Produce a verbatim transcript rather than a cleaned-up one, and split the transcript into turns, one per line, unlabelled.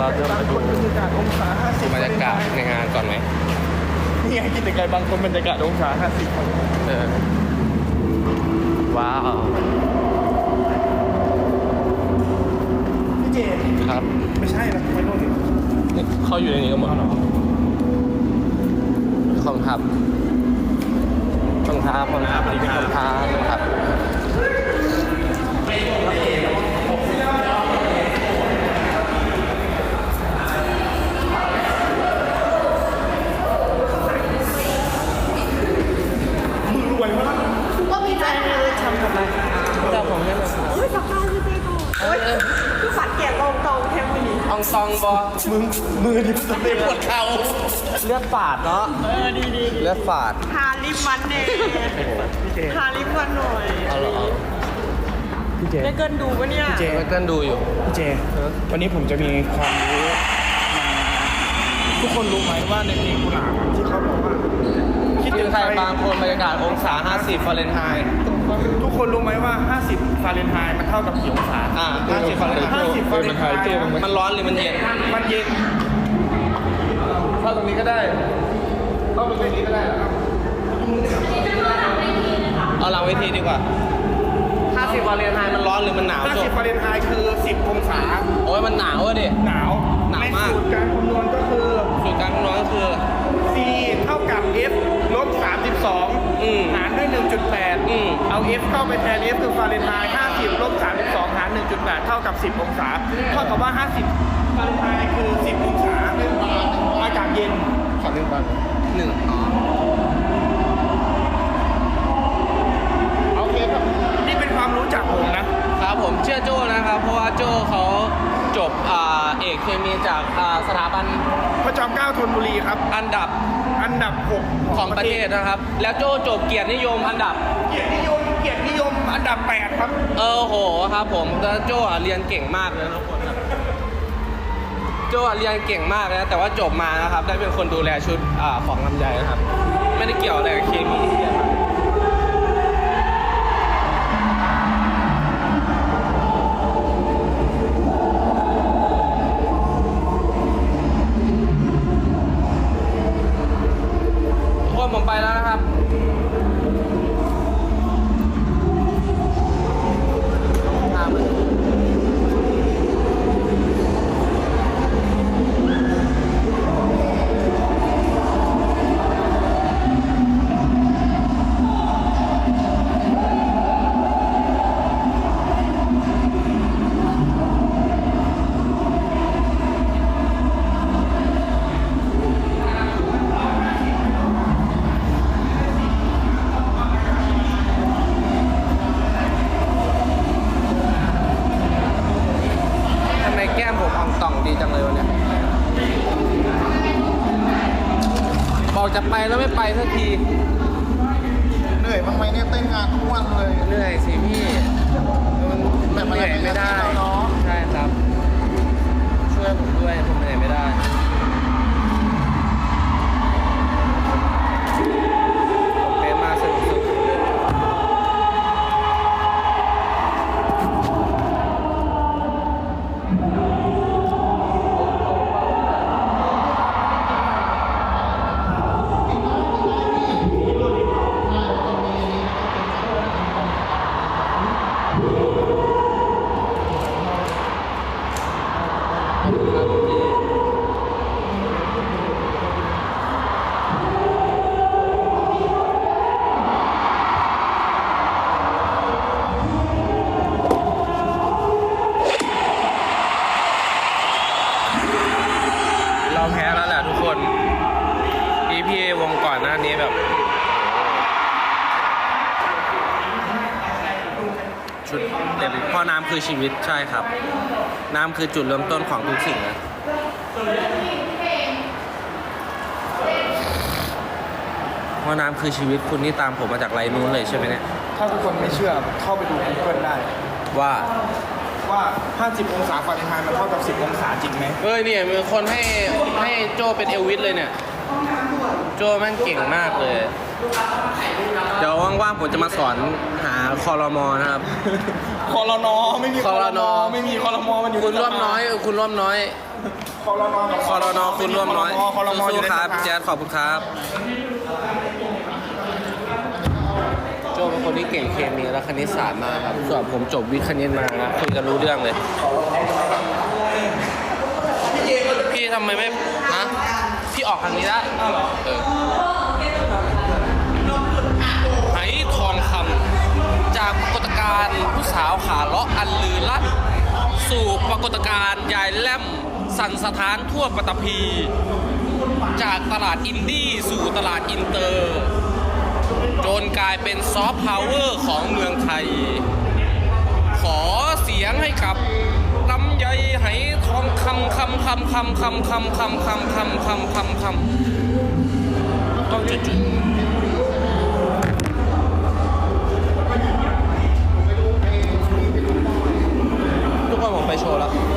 เราจะมาดู
บรรยากาศองศาห้าสิบบ
รรยากาศในงานก่อนไหม
นี่ไงกิจกรรมบางคนบรรยากาศองศาห้าสิบ
เออว้าว
พี่เจ
ครับ
ไม่ใช่นะไม่รู้ดิ
นี่เขาอยู่ในนี้กันหมดขอบคุณครับขอบคุณครับขอบคุณครับขอบคุณครับขอบคุณครับ
มือรวยมาก
ก็มีใจเลยทำกับอะไร
เจ้าของนี่เลย
โอ้ยสับข้าวพี่เต้โตโอ้ยคือฝัดเกียร์ตรงตรงแทงมือนี้
อองซองบอ
มึงมือดิบสเต็ปปวดเข่า
เลือดฝาดเนาะ
เออดีดี
เลือดฝาด
ทาลิปมันเนี่ย
พี่เจ
ทาลิปมันหน่อย
เอาเหรอ
พี่เจ
ได้เกินดูปะเนี่ย
เจ
ไม่เกินดูอยู่
พี่เจวันนี้ผมจะมีความรู้มาทุกคนรู้ไหมว่าในเพลงกุหลาบอะที่เขาบอกว่าคิด
ถึ
ถึ
ง
ง
ใค
ใค
ร
ร
บางคนบรรยากาศองศา ห้าสิบฟาเรนไฮต์
ทุกคนรู้ไหมว่า ห้าสิบ ฟาเรนไฮต์มันเท่ากับกี่องศา
อ่าห้าสิบฟาเรนไฮต์
ห้าสิบ ฟาเรนไฮต์
มันร้อนหรือมันเย็น
มันเย็นเข้าตรงนี้ก็ได้เข้าตรงนี้ก็ได้ครับ
เอาหลังเวทีดีกว่าห้าสิบฟาเรนไฮต์มันร้อนหรือมันหนาว
ห้า
จ
สิ
บบ
ฟาเรนไฮต์คือ สิบ องศา
โอ้ยมันหนาวอะดิ
หนาว
หนาว
ใน
มาก
สูตรการคำนวณก็คือ
สูตรการคำนวณก็คือ
C เท่ากับ F ลบสามสิบสอง
อืม
หารด้วย หนึ่งจุดแปด
อืม
เอา F เข้าไปแทน F คือฟาเรนไฮต์ห้าสิบลบสามสิบสองหาร หนึ่งจุดแปด เท่ากับ สิบ องศา เท่ากับว่า ห้าสิบ ฟาเรนไฮต์คือ สิบ องศาอากาศเย็นขอหนึ่งบาท
หนึ่งอ๋อ
โอเคครับ นี่เป็นความรู้จากผมนะ
ครับผมเชื่อโจ้นะครับ เพราะว่าโจ้เขาจบอ่าเอกเคมีจากอ่าสถาบัน
พระจอมเกล้าธนบุรีครับ
อันดับ
อันดับหก
ของประเทศนะครับ แล้วโจ้จบเกียรตินิยมอันดับ
เกียรตินิยม เกียรตินิยม อันดับแปดครับ
เออโหครับผมแล้วโจ้อ่ะเรียนเก่งมากเลยนะทุกคนครับโจ้อ่ะเรียนเก่งมากนะแต่ว่าจบมานะครับ ได้เป็นคนดูแลชุดอ่าของลำไยนะครับ ไม่ได้เกี่ยวอะไรกับเคมีที่เรียนมาทุกคนผมไปแล้วนะครับตามมาทำไมแก้มผมอองต่องดีจังเลยวันเนี้ยบอกจะไปแล้วไม่ไปสักที
เหนื่อยบ้างไหมเนี่ยเต้นงานทุกวันเลย
เหนื่อยสิพี่มันมันเหนื่อยไม่ได้
เนาะ
ใช่ครับ ช่วยผมด้วยผมเหนื่อยไม่ได้ผมเป๊ะมากสนุกสุดครับพี่เราแพ้แล้วแหละทุกคน อี พี เอ วงก่อนหน้านี้แบบ ชุดเต็มเพราะน้ำคือชีวิตใช่ครับ น้ำคือจุดเริ่มต้นของทุกสิ่งนะเพราะน้ำคือชีวิตคุณนี่ตามผมมาจากไรนู้นเลยใช่ไหมเนี่ย
ถ้าทุกคนไม่เชื่อเข้าไปดู Google ได้
ว่า
ว่า ห้าสิบ องศาฟาเรนไฮต์มันเท่ากับ สิบ องศาจริงไหม
เอ้ยเนี่ยมีคนให้ให้โจเป็นเอลวิสเลยเนี่ย
เ
โจแม่งเก่งมากเลย เดี๋ยวว่างๆผมจะมาสอนหาคอรมอนะครับ
คอรนอไม่มี
คอรน
ไม่มีคอรมอมันอยู่
คุณร่วมน้อยเออคุณร่วมน้อย
คอรนอ
คอรนอคุณร่วมน้อย
คอรมออ
สู้
ยู่ใน
ๆครับ
สภา
แจ๊ดขอบคุณครับ โจเป็นคนที่เก่งเคมีและคณิตศาสตร์มากครับ ส่วนผมจบวิทย์คณิตมานะคุยกันรู้เรื่องเลย พี่ทำไมไม่ฮะพี่ออกทางนี้ได้เออไหทองคำจากปรากฏการณ์ผู้สาวขาเลาะอันลือลั่นสู่ปรากฏการณ์ยายแล่มสั่นสถานทั่วปฐพี จากตลาดอินดี้สู่ตลาดอินเตอร์ จนกลายเป็นซอฟต์พาวเวอร์ของเมืองไทย ขอเสียงให้กับลำไยไหทองคำคำคำคำคำคำคำคำคำคำคำคำต้องจุดจุดทุกคนผมไปโชว์แล้ว